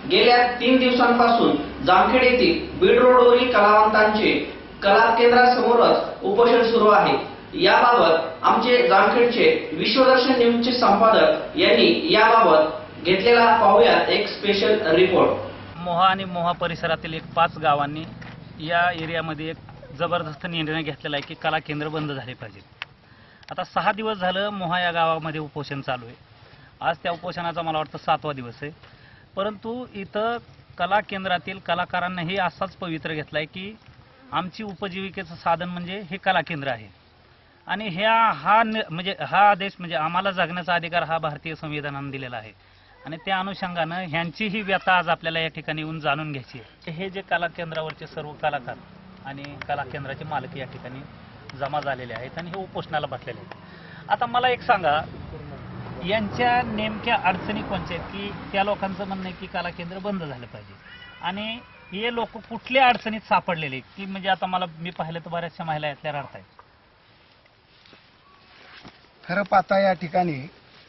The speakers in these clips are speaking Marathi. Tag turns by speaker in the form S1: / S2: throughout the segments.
S1: गेल्या 3 दिवसांपासून जामखेड येथील बीड रोडवरील कलावंतांचे कला केंद्रासमोरच उपोषण सुरू आहे। याबाबत आमचे जामखेडचे विश्वदर्शन न्यूजचे संपादक यांनी याबाबत घेतलेला पाहूयात एक स्पेशल रिपोर्ट।
S2: मोहा आणि मोहा परिसरातील एक 5 गावांनी या एरियामध्ये एक जबरदस्त निर्णय घेतलेला आहे की कला केंद्र बंद झाले पाहिजे। आता 6 दिवस झालं मोहा या गावामध्ये उपोषण चालू आहे। आज त्या उपोषणाचा मला वाटतं 7वा दिवस आहे, परंतु इथं कला केंद्रातील कलाकारांनाही असाच पवित्र घेतलाय की आमची उपजीविकेचं साधन म्हणजे हे कला केंद्र आहे आणि हा आदेश म्हणजे आम्हाला जगण्याचा अधिकार हा भारतीय संविधानाने दिलेला आहे आणि त्या अनुषंगानं ह्यांचीही व्यथा आज आपल्याला या ठिकाणी येऊन जाणून घ्यायची आहे। हे जे कला केंद्रावरचे सर्व कलाकार आणि कला केंद्राचे मालक या ठिकाणी जमा झालेले आहेत आणि हे उपोषणाला बसलेले आहेत। आता मला एक सांगा, यांच्या नेमक्या अडचणी कोणत्या आहेत की त्या लोकांचं म्हणणं आहे की कला केंद्र बंद झालं पाहिजे आणि हे लोक कुठल्या अडचणीत सापडलेले की म्हणजे आता मी पाहिलं तर बऱ्याचशा महिला यातल्या रडतायत।
S3: खरं पाहता या ठिकाणी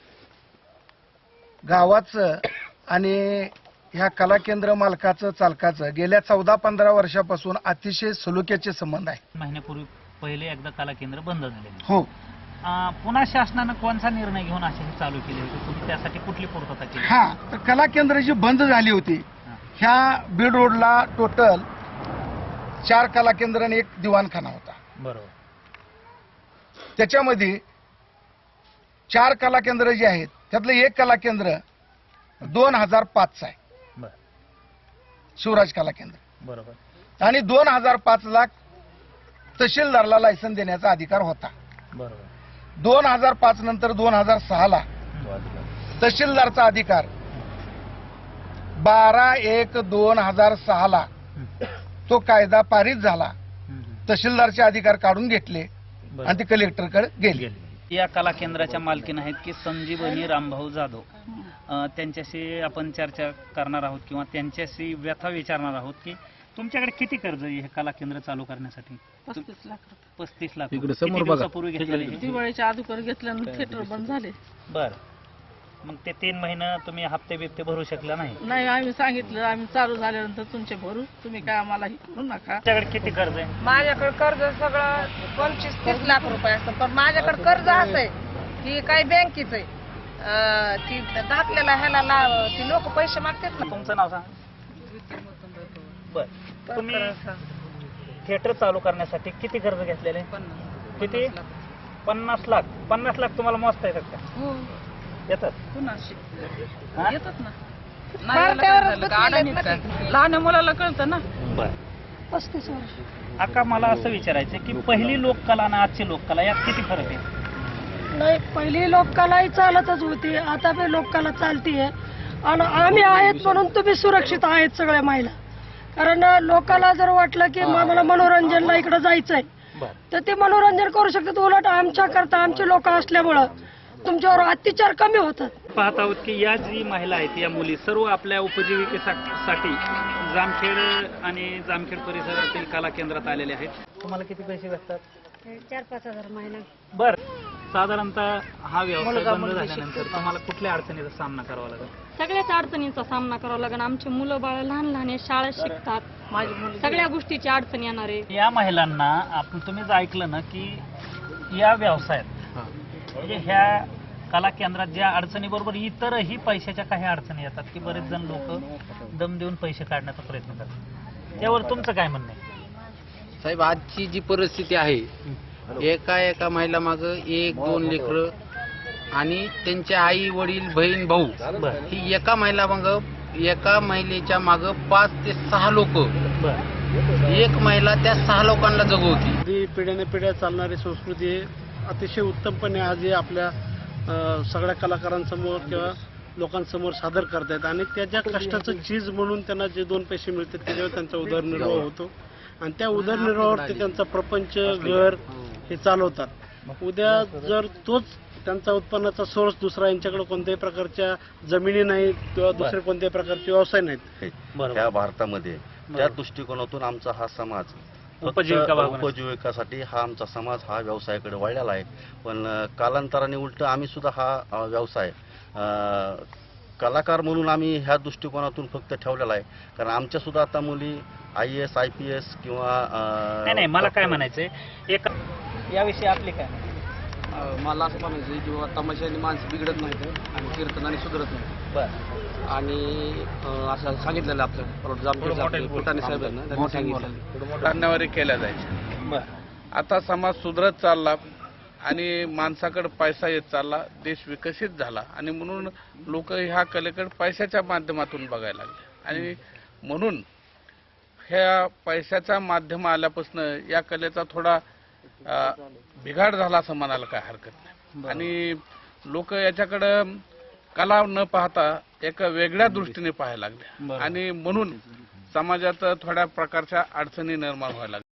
S3: गावाचं आणि ह्या कला केंद्र मालकाचं चालकाचं गेल्या 14-15 वर्षापासून अतिशय सलोख्याचे संबंध आहे।
S2: महिन्यापूर्वी पहिले एकदा कला केंद्र बंद झाले
S3: हो,
S2: पुन्हा शासनानं कोणता निर्णय घेऊन असे चालू केले होते, तुम्ही त्यासाठी कुठली पूर्तता केली?
S3: हा, तर कला केंद्र जी बंद झाली होती ह्या बीड रोडला टोटल 4 कला केंद्र आणि 1 दिवाणखाना होता।
S2: बरोबर।
S3: त्याच्यामध्ये 4 कला केंद्र जे आहेत त्यातलं 1 कला केंद्र 2005चं आहे, शिवराज कला केंद्र।
S2: बरोबर।
S3: आणि 2005 ला तहसीलदारला लायसन देण्याचा अधिकार होता।
S2: बरोबर।
S3: 2005 नंतर 2006 ला तहसीलदारचा अधिकार 12/1/2006 ला तो कायदा पारित झाला। तहसीलदारचे अधिकार काढून घेतले आणि ते कलेक्टरकडे गेले।
S2: या कला केंद्राच्या मालकीन आहेत की संजीवनी रामभाऊ जाधव, त्यांच्याशी आपण चर्चा करणार आहोत किंवा त्यांच्याशी व्यथा विचारणार आहोत की तुमच्याकडे किती कर्ज आहे हे कला केंद्र चालू करण्यासाठी?
S4: 35 लाख रुपये।
S2: 35 लाख
S3: इकडे
S2: किती
S3: समोर बघा.
S2: दिवसापूर्वी घेतलेले?
S4: दिवाळीच्या अगोदर घेतल्यानंतर थिएटर बंद झाले।
S2: बर, मग ते 3 महिने तुम्ही हप्ते बिप्ते भरू शकला नाही?
S4: नाही, आम्ही सांगितलं आम्ही चालू झाल्यानंतर तुमचे भरू, तुम्ही काय आम्हाला हे करू नका।
S2: तुमच्याकडे किती कर्ज आहे?
S5: माझ्याकडे कर्ज सगळं 25-30 लाख रुपये असतं, पण माझ्याकडे कर्ज असं आहे की काही बँकेच आहे ती दाखल्याला ह्याला ती लोक पैसे मागतात ना।
S2: तुमचं नाव सांगा. बर, तुम्ही थिएटर चालू करण्यासाठी किती कर्ज घेतलेले? किती? 50 लाख. 50 लाख तुम्हाला मोजता येतात का?
S4: हो,
S2: येतात.
S4: कुणाशी
S2: हा?
S4: येतात ना।
S5: मारत्यावरच बसलेले आहेत ना ते.
S4: लहान मुलाला कळतं ना।
S2: बर,
S4: 35 वर्ष।
S2: आका मला असं विचारायचं की पहिली लोककला आणि आजची लोककला यात किती फरक आहे?
S6: नाही, पहिली लोककलाही चालतच होती, आता बी लोककला चालतीये आणि आम्ही आहेत म्हणून तुम्ही सुरक्षित आहेत सगळ्या महिला। कारण लोकांना जर वाटलं की मला मनोरंजनला इकडे जायचंय तर ते मनोरंजन करू शकतात। उलट आमच्या करता आमचे लोक असल्यामुळं तुमच्यावर अत्याचार कमी होतात।
S2: पाहत आहोत की या जी महिला आहेत या मुली सर्व आपल्या उपजीविकेसाठी जामखेड आणि जामखेड परिसरातील कला केंद्रात आलेले आहेत। तुम्हाला किती पैसे भेटतात?
S6: 4-5 हजार महिना।
S2: बर, साधारणतः हा व्यवसाय बंद झाल्यानंतर तुम्हाला कुठल्या अडचणीचा सामना करावा लागेल?
S7: सगळ्याच अडचणींचा सामना करावा लागेल। आमचे मुलं बाळ लहान लहान आहे, शाळेत शिकतात, सगळ्या गोष्टीची अडचण येणार आहे।
S2: या महिलांना तुम्हीच ऐकलं ना की या व्यवसायात म्हणजे ह्या कला केंद्रात ज्या अडचणीबरोबर इतरही पैशाच्या काही अडचणी येतात की बरेच जण लोक दम देऊन पैसे काढण्याचा प्रयत्न करतात, त्यावर तुमचं काय म्हणणं आहे?
S8: साहेब, आजची जी परिस्थिती आहे एका महिला माग 1-2 लेकरं आणि त्यांचे आई वडील बहीण भाऊ ही एका महिलेच्या माग 5 ते 6 लोक, एक महिला त्या 6 लोकांना जगवती।
S9: पिढ्याने पिढ्या चालणारी संस्कृती अतिशय उत्तमपणे आज आपल्या सगळ्या कलाकारांसमोर किंवा लोकांसमोर सादर करतायत आणि त्याच्या कष्टाचं चीज म्हणून त्यांना जे 2 पैसे मिळतात त्याच्यावर त्यांचा उदरनिर्वाह होतो आणि त्या उदरनिर्वाहावर ते त्यांचा प्रपंच घर हे चालवतात। उद्या जर तोच त्यांचा उत्पन्नाचा सोर्स दुसरा, यांच्याकडे कोणत्याही प्रकारच्या जमिनी नाहीत किंवा दुसरे कोणत्याही प्रकारचे व्यवसाय नाहीत
S10: त्या भारतामध्ये, त्या दृष्टिकोनातून आमचा हा समाज उपजीविकासाठी हा आमचा समाज हा व्यवसायाकडे वळलेला आहे। पण कालांतराने उलट आम्ही सुद्धा हा व्यवसाय कलाकार म्हणून आम्ही ह्या दृष्टिकोनातून फक्त ठेवलेला आहे. कारण आमच्या सुद्धा आता मुली IAS IPS
S2: नाही नाही, मला काय म्हणायचंय एक याविषयी आपली काय म्हणणं?
S11: मला असं म्हणायचं की बाबा तमाशाने माणसं बिघडत नाहीत आणि कीर्तनाने सुधरत नाही.
S2: बरं.
S11: आणि असं सांगितलेलं आपलं जामखेडचे फुटाणे साहेबांना त्यांनी सांगितलेलं
S12: धन्यवारी केल्या जायच्या.
S2: बरं.
S12: आता समाज सुधरत चालला आणि माणसाकडे पैसा येत चालला, देश विकसित झाला आणि म्हणून लोक ह्या कलेकडे पैशाच्या माध्यमातून बघायला लागले आणि म्हणून ह्या पैशाच्या माध्यम आल्यापासून या कलेचा थोडा बिघाड झाला असं म्हणायला काय हरकत नाही. आणि लोक याच्याकडं कला न पाहता एका वेगळ्या दृष्टीने पाहायला लागले आणि म्हणून समाजात थोड्या प्रकारच्या अडचणी निर्माण व्हायला लागल्या.